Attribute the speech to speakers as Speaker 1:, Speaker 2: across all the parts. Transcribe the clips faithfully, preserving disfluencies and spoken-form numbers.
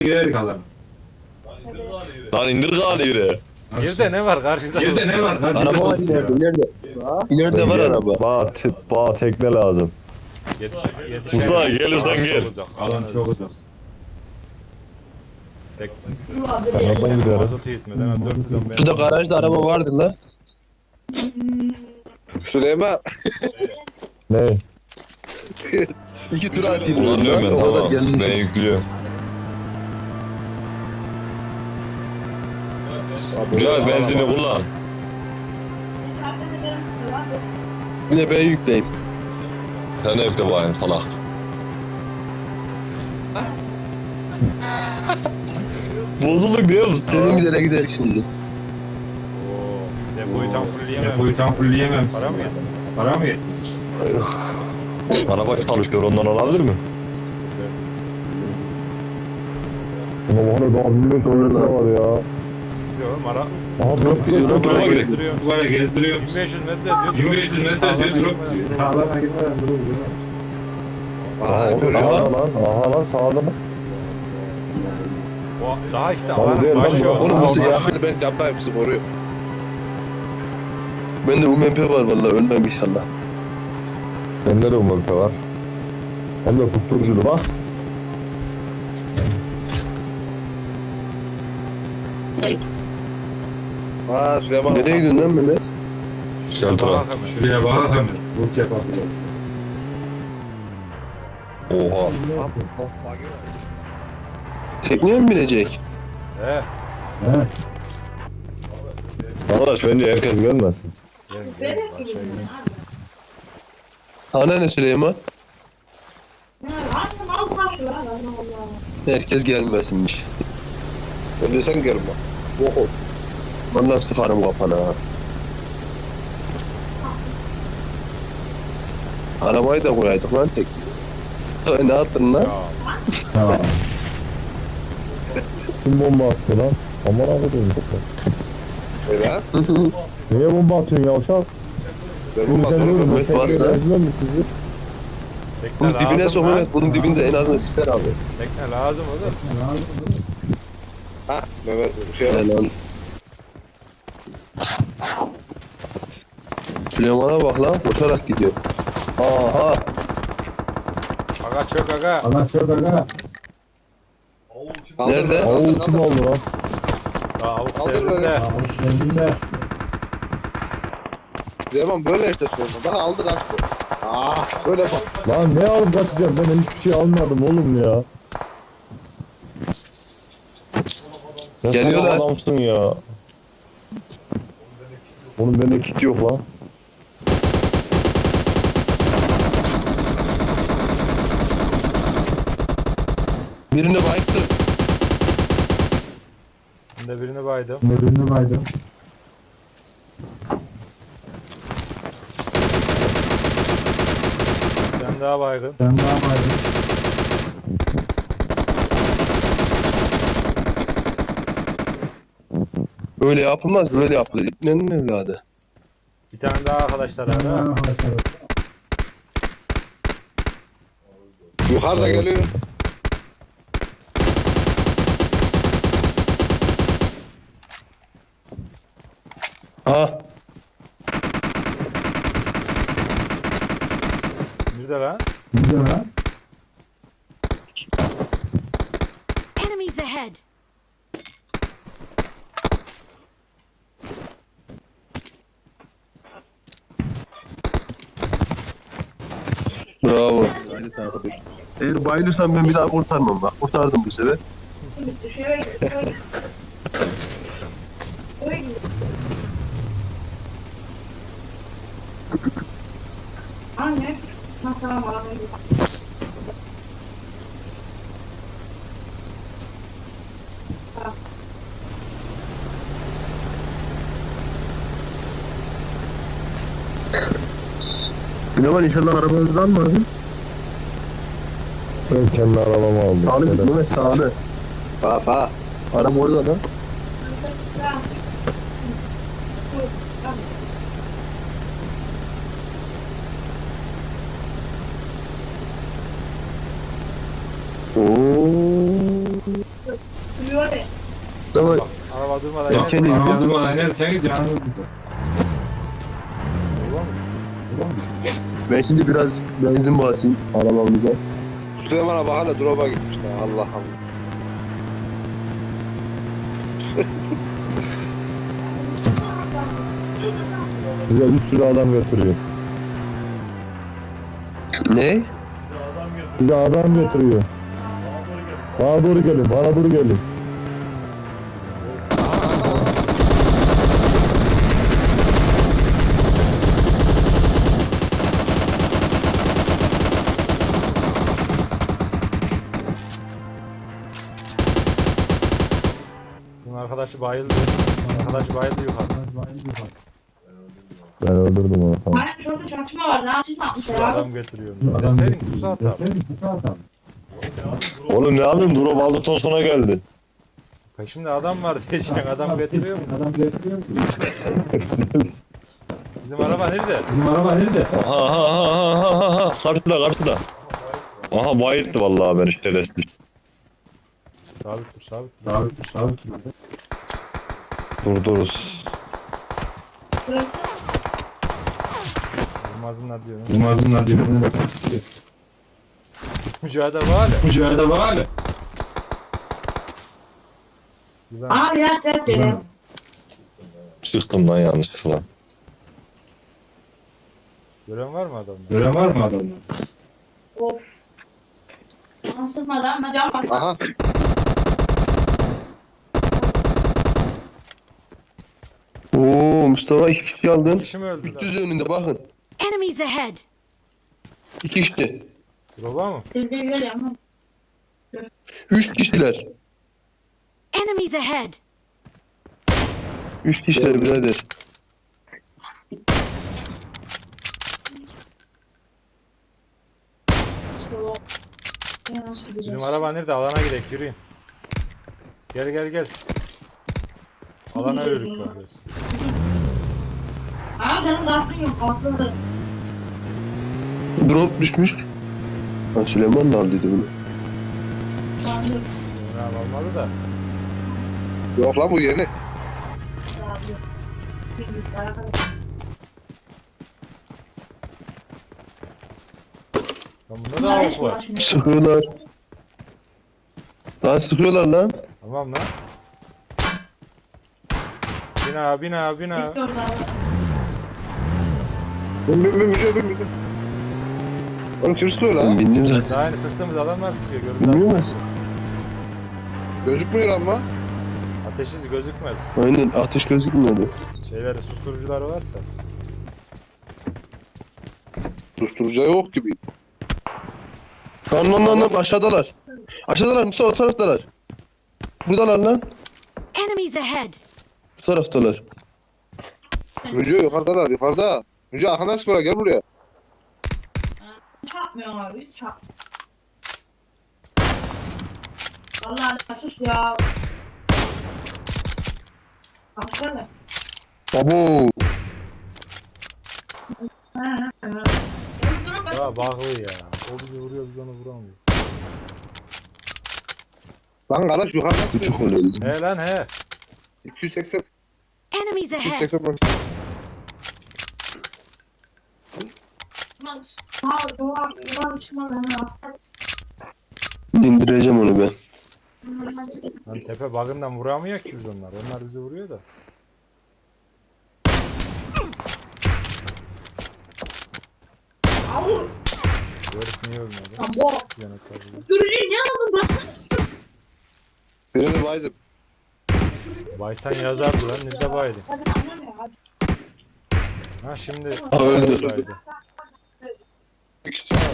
Speaker 1: girerdik alalım.
Speaker 2: Lan indir galiba.
Speaker 3: Geride ne var karşıda?
Speaker 1: Geride ne var? Karşıda
Speaker 4: Araba var
Speaker 1: ya.
Speaker 4: ileride. İleride. İleride var araba.
Speaker 5: Bağ, te- bağ tekne lazım.
Speaker 3: Yetişir, yetişer.
Speaker 2: Mustafa gelirsen gel.
Speaker 1: Alan çok uzak.
Speaker 5: Arabadan gidiyoruz.
Speaker 3: Mazot yetmedi. Hemen dört yüz on beş.
Speaker 4: Şurada garajda araba vardı la.
Speaker 6: Süleyman.
Speaker 5: Ne?
Speaker 4: İki tur atayım.
Speaker 2: Kullanıyorum ben
Speaker 4: O kadar
Speaker 2: tamam.
Speaker 4: geldim.
Speaker 2: Ben yüklüyorum. Güzel benzini kullan.
Speaker 4: Bir de ben yükleyeyim.
Speaker 2: Sen de yükle bakayım salak. Bozulduk diyor musun?
Speaker 4: Senin bir yere gidelim şimdi.
Speaker 3: Oo, depoyu tam fullleyemem.
Speaker 1: Depoyu tam fullleyemem.
Speaker 3: Para mı yetti?
Speaker 1: Para mı yetti?
Speaker 2: Araba çalışıyor ondan olabilir mi?
Speaker 5: Ama bana daha bilmiyorum sonra var ya.
Speaker 3: Yok mara.
Speaker 5: Aha dört kilo dört
Speaker 2: Araba
Speaker 5: kilo.
Speaker 2: gidiyor.
Speaker 1: Duvara gezdiriyor.
Speaker 3: bin beş yüz metre diyor.
Speaker 1: yirmi beş yüz metre diyor. Durup sağlarına gitmeden durup duruyor.
Speaker 5: Aha oğlum
Speaker 4: Aha.
Speaker 5: sağda lan. Aha lan sağda bak.
Speaker 3: O daha işte
Speaker 5: Abi değil
Speaker 3: alanın
Speaker 5: lan
Speaker 3: başı
Speaker 5: bu.
Speaker 3: o.
Speaker 4: Oğlum nasıl ya?
Speaker 6: Ben yapmayayım sizi koruyor.
Speaker 4: Bende U M P var vallahi ölmem inşallah.
Speaker 5: Bende de umurta var. Hem de susturuculu bak.
Speaker 6: Aa Süleyman.
Speaker 4: Nereye gidiyorsun lan böyle?
Speaker 2: Şeltıra.
Speaker 3: Bak hemen.
Speaker 1: Şuraya bak hemen. Vur yapabiliyor.
Speaker 2: Oha.
Speaker 4: Tekneye mi binecek?
Speaker 3: He.
Speaker 5: Arkadaş bence herkes gelmesin.
Speaker 3: Gelin gelin. Aşağı gelin.
Speaker 4: Ana ne Süleyman? Herkes gelmesinmiş.
Speaker 6: Önce sen gelin bak. Oho.
Speaker 4: Vallahi sıkarım kafana ha. Arabayı da koyaydık lan tek. Ay, ne attın lan?
Speaker 3: Ya.
Speaker 5: Kim bomba attı lan? Aman abi dedim.
Speaker 6: Evet.
Speaker 5: Niye bomba atıyorsun ya uşak?
Speaker 6: Ben
Speaker 5: Bunu
Speaker 6: bu
Speaker 5: sen
Speaker 6: motoru
Speaker 5: diyorum.
Speaker 4: Evet,
Speaker 5: Ben
Speaker 4: var
Speaker 5: tekneye
Speaker 4: ya.
Speaker 5: benziyor mu sizi?
Speaker 3: Tekne
Speaker 4: Bunun dibine
Speaker 3: lazım
Speaker 4: sokun
Speaker 3: lan.
Speaker 4: et. Bunun dibinde en azından siper abi.
Speaker 3: Tekne lazım oğlum.
Speaker 6: Ha Mehmet bir şey
Speaker 4: Helal lan. Süleyman'a bak lan koşarak gidiyor. Aha.
Speaker 3: Aga çök aga.
Speaker 1: Allah çok aga.
Speaker 4: Nerede?
Speaker 5: Oo kim oldu lan?
Speaker 3: Daha avuk
Speaker 6: Kaldır
Speaker 3: sevdim
Speaker 6: böyle.
Speaker 3: de.
Speaker 1: Kendinde.
Speaker 6: Süleyman böyle işte Süleyman. Bak aldı kaçtı. Aa böyle bak.
Speaker 5: Lan ne alıp kaçacağım? Ben hiçbir şey almadım oğlum ya. Ya
Speaker 4: Geliyorlar.
Speaker 5: sen adamsın ya. Oğlum bende kit yok lan.
Speaker 4: Birini bayıktı.
Speaker 3: Ben de birini baydım.
Speaker 1: Birini baydım.
Speaker 3: Sen daha baygın.
Speaker 1: Sen daha baydın.
Speaker 4: Böyle yapılmaz böyle yapılır. İpnenin evladı.
Speaker 3: Bir tane daha arkadaşlar ara.
Speaker 6: Yukarıda geliyor.
Speaker 4: Ha.
Speaker 3: Bir de lan.
Speaker 1: Güzel ha.
Speaker 7: Enemies ahead!
Speaker 4: Bravo. Eğer bayılırsan ben bir daha kurtarmam bak. Kurtardım bu sefer.
Speaker 8: Anne. Ha, tamam abi.
Speaker 4: Süleyman inşallah arabanızı almadın.
Speaker 5: Ben kendi arabamı aldım.
Speaker 4: Sağlı
Speaker 5: Şöyle.
Speaker 4: gitme sağlı.
Speaker 6: Ha ha.
Speaker 4: Araba orada da. Oo.
Speaker 8: Duruyor ya.
Speaker 4: Ama
Speaker 3: Araba durmadan
Speaker 4: Ya
Speaker 3: iner.
Speaker 4: kendi-
Speaker 1: Ama durmadan inerseniz canınız gider.
Speaker 3: Olur mu?
Speaker 4: ben şimdi biraz benzin basayım arabamıza.
Speaker 6: Süleyman'a bak hala drop'a gitmişler. Allah Allah.
Speaker 5: Bize bir sürü adam götürüyor.
Speaker 4: Ne?
Speaker 5: Bize adam getiriyor. Bana doğru gelin, bana doğru gelin.
Speaker 3: Bunun arkadaşı bayıldı. Arkadaşı bayıldı yukarı.
Speaker 5: Ben öldürdüm onu tamam.
Speaker 8: Hani şurada çatışma vardı. Ha siz ne yapmışlar abi?
Speaker 3: Adam getiriyor.
Speaker 1: Adam
Speaker 3: Deseydin
Speaker 1: getiriyor.
Speaker 3: kusa atar.
Speaker 1: Deseydin kusa atar.
Speaker 2: Oğlum ne yapayım? Drop aldıktan sonra geldi.
Speaker 3: Peşimde adam var diyeceksin. Adam getiriyor mu?
Speaker 1: Adam getiriyor mu?
Speaker 3: Bizim araba nerede?
Speaker 1: Bizim araba nerede?
Speaker 2: Aha aha aha aha aha. Karşıda karşıda. Aha bayılttı vallahi beni şerefsiz.
Speaker 3: Sabit dur sabit dur.
Speaker 1: Sabit dur, sabit dur.
Speaker 2: Durduruz.
Speaker 8: Burası.
Speaker 3: Durmazınlar diyor.
Speaker 1: Yılmaz'ın birbirine
Speaker 3: Mücadele var ya.
Speaker 1: Mücadele var hala.
Speaker 3: Güven.
Speaker 8: Abi yat yat yere.
Speaker 2: Çıktım lan yanlışlıkla.
Speaker 3: Gören var mı adamda?
Speaker 1: Gören var mı adamda?
Speaker 8: Of. Bana sıkmadı ama can bas.
Speaker 6: Aha.
Speaker 4: Oo Mustafa iki kişi aldın.
Speaker 3: Kişi mi öldü
Speaker 4: üç yüz
Speaker 3: lan?
Speaker 4: önünde bakın.
Speaker 7: Enemies ahead!
Speaker 4: İki kişi.
Speaker 3: Roba mı?
Speaker 8: Gel gel gel ama.
Speaker 4: Üç kişiler.
Speaker 7: Enemies ahead!
Speaker 4: Üç kişiler birader.
Speaker 8: İşte o. Ya nasıl gideceğiz?
Speaker 3: Bizim araba nerede? Alana gidelim yürüyün. Gel gel gel. Alana yürüdük bak.
Speaker 8: Abi senin gazın yok. Aslında.
Speaker 4: Drop düşmüş. Ha, Süleyman da aldıydı bunu.
Speaker 8: Abi.
Speaker 3: Ne almadı da.
Speaker 6: Yok lan bu yeni.
Speaker 8: Abi. Bilmiyorum, arkadaş.
Speaker 3: Lan bunda da avuk var.
Speaker 4: Sıkıyorlar. Lan sıkıyorlar lan.
Speaker 3: Tamam lan. Bina bina bina.
Speaker 8: Bekliyoruz abi.
Speaker 6: Bin bin bin müce bin bin. Oğlum kim sıkıyor
Speaker 4: Ben
Speaker 6: lan?
Speaker 4: bindim zaten.
Speaker 3: Daha yeni sıktığımız adamlar sıkıyor. Görüntü
Speaker 4: Bilmiyor musun?
Speaker 6: Gözükmüyor ama.
Speaker 3: ateşi gözükmez.
Speaker 4: Aynen ateş gözükmüyordu.
Speaker 3: Şeyleri susturucuları varsa.
Speaker 6: Susturucu yok gibi.
Speaker 4: Lan lan lan lan aşağıdalar. Aşağıdalar Mustafa o taraftalar. Buradalar lan.
Speaker 7: Enemies ahead!
Speaker 4: Bu taraftalar.
Speaker 6: Müce yukarıdalar yukarıda. Müce arkandan sıkıyorlar gel buraya.
Speaker 8: Çarpmıyor abi. Hiç çarp. Vallahi sus ya. Baksana.
Speaker 4: Abo.
Speaker 8: Ha, ha, ha. Durun, bak.
Speaker 3: Ya bağlı ya. O bizi vuruyor biz onu vuramıyor.
Speaker 6: Lan kardeş yukarıdan
Speaker 4: Bu
Speaker 6: sıkıyor.
Speaker 4: çok önemli.
Speaker 3: He lan he.
Speaker 6: iki yüz seksen.
Speaker 7: Enemies
Speaker 6: iki yüz
Speaker 7: ahead!
Speaker 6: seksen bak.
Speaker 8: Bak, sağ- dolar, dolar çıkmadan ha.
Speaker 4: İndireceğim onu ben.
Speaker 3: Lan tepe bagından vuramıyor ki biz onlar. Onlar bizi vuruyor da.
Speaker 8: Au,
Speaker 3: Bu herif niye ölmedi?
Speaker 8: ya bu
Speaker 3: Yanıklar bile.
Speaker 8: sürücüyü ne aldın? Baksana.
Speaker 6: Birini baydım.
Speaker 3: Baysan yazardı lan. Nerede baydı?
Speaker 8: Hadi annem ya, hadi.
Speaker 3: Ha şimdi.
Speaker 4: Ha, öldü.
Speaker 3: Baydı.
Speaker 6: Bir kişi var.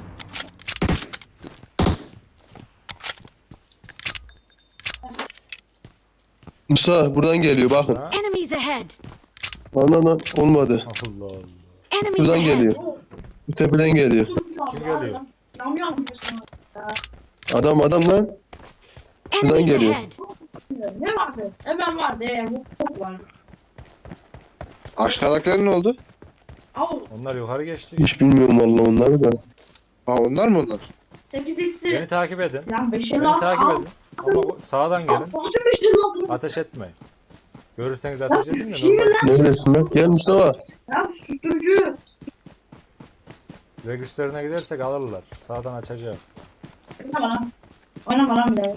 Speaker 4: Mustafa buradan geliyor bakın.
Speaker 3: Ha?
Speaker 7: Enemies ahead!
Speaker 4: Lan lan lan olmadı.
Speaker 3: Allah Allah.
Speaker 7: Enemies
Speaker 4: Buradan
Speaker 7: ahead!
Speaker 4: geliyor. Bu tepeden geliyor.
Speaker 3: Kim geliyor?
Speaker 8: Yanmıyor mu diyorsun?
Speaker 4: Adam adam lan.
Speaker 7: Enemies
Speaker 4: geliyor.
Speaker 7: ahead!
Speaker 8: Ne vardı? Hemen vardı. Ee, bu çok vardı.
Speaker 6: Aşağıdakiler ne oldu?
Speaker 8: Au.
Speaker 3: Onlar yukarı geçti.
Speaker 4: Hiç bilmiyorum vallahi onları da.
Speaker 6: Ha onlar mı onlar?
Speaker 8: sekiz x'i.
Speaker 3: Beni takip edin.
Speaker 8: Lan beş el
Speaker 3: Beni
Speaker 8: altı
Speaker 3: takip
Speaker 8: al.
Speaker 3: edin. Ama bu- sağdan gelin.
Speaker 8: Altı beş el altı.
Speaker 3: Ateş etmeyin. Görürseniz ateş edin de
Speaker 8: Şey
Speaker 3: normal.
Speaker 8: lan.
Speaker 4: Neredesin lan? Gel Mustafa.
Speaker 8: Ya susturucu.
Speaker 3: Regüslerine gidersek alırlar. Sağdan açacağım.
Speaker 8: Oynama lan. Oynama lan bir daha.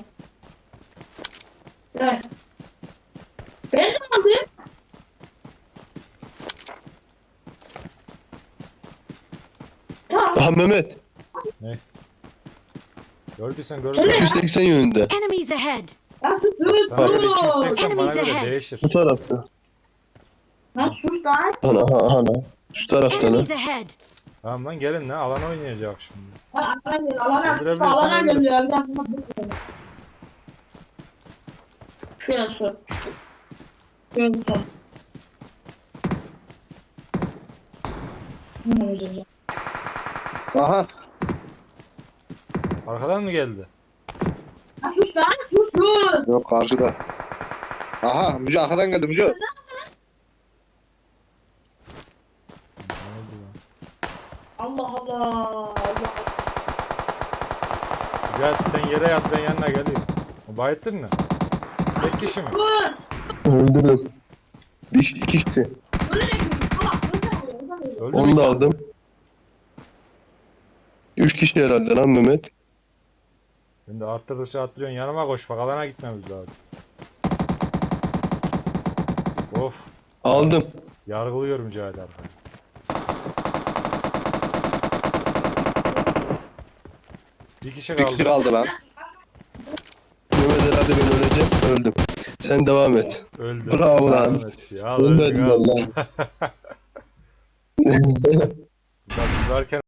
Speaker 8: Evet. Ben de aldım. Tamam.
Speaker 4: Aha Mehmet.
Speaker 3: Gördüysen
Speaker 8: Söyle.
Speaker 3: gördün.
Speaker 4: iki yüz seksen yönünde.
Speaker 7: Enemies ahead!
Speaker 8: Ya sus sus
Speaker 3: Sana göre iki yüz
Speaker 8: sus.
Speaker 3: seksen bana
Speaker 7: Enemies
Speaker 3: göre
Speaker 7: ahead.
Speaker 3: değişir.
Speaker 4: Bu tarafta.
Speaker 8: Lan sus lan.
Speaker 4: Ana aha aha lan. Şu tarafta lan.
Speaker 7: Enemies ahead!
Speaker 3: Tamam lan gelin lan alan oynayacak şimdi.
Speaker 8: Lan alana gel. Alana sus.
Speaker 3: Öldürebilirsen
Speaker 8: Alana
Speaker 3: öldür.
Speaker 8: gel ya. Bir dakika, bir dakika. Şöyle sus. Şöyle sus. Ne olacak?
Speaker 6: Aha.
Speaker 3: Arkadan mı geldi?
Speaker 8: Lan sus lan. Sus sus.
Speaker 6: Yok karşıda. Aha Müce arkadan geldi Müce.
Speaker 3: Ne oldu lan?
Speaker 8: Allah Allah. Allah.
Speaker 3: Gel sen yere yat ben yanına geleyim. Bayıttın mı? Tek kişi mi?
Speaker 8: Sus.
Speaker 4: Öldürdüm. Bir iki kişi.
Speaker 8: Öyle de salak. Öyle de-
Speaker 3: Öldü mü?
Speaker 4: Onu da aldım. Üç kişi herhalde lan Mehmet.
Speaker 3: Ben de arttırdıkça arttırıyorsun yanıma koş bak alana gitmemiz lazım. Of
Speaker 4: Aldım.
Speaker 3: yargılıyorum Mücahit arkayı. Bir kişi
Speaker 6: Bir kişi
Speaker 3: kaldı.
Speaker 6: kaldı lan.
Speaker 4: Mehmet herhalde ben öleceğim. Öldüm. Sen devam et.
Speaker 3: Öldü.
Speaker 4: Bravo lan.
Speaker 3: Devam et. Ya,
Speaker 4: Ölmedim
Speaker 3: öldün, al.
Speaker 4: vallahi.
Speaker 3: Bak varken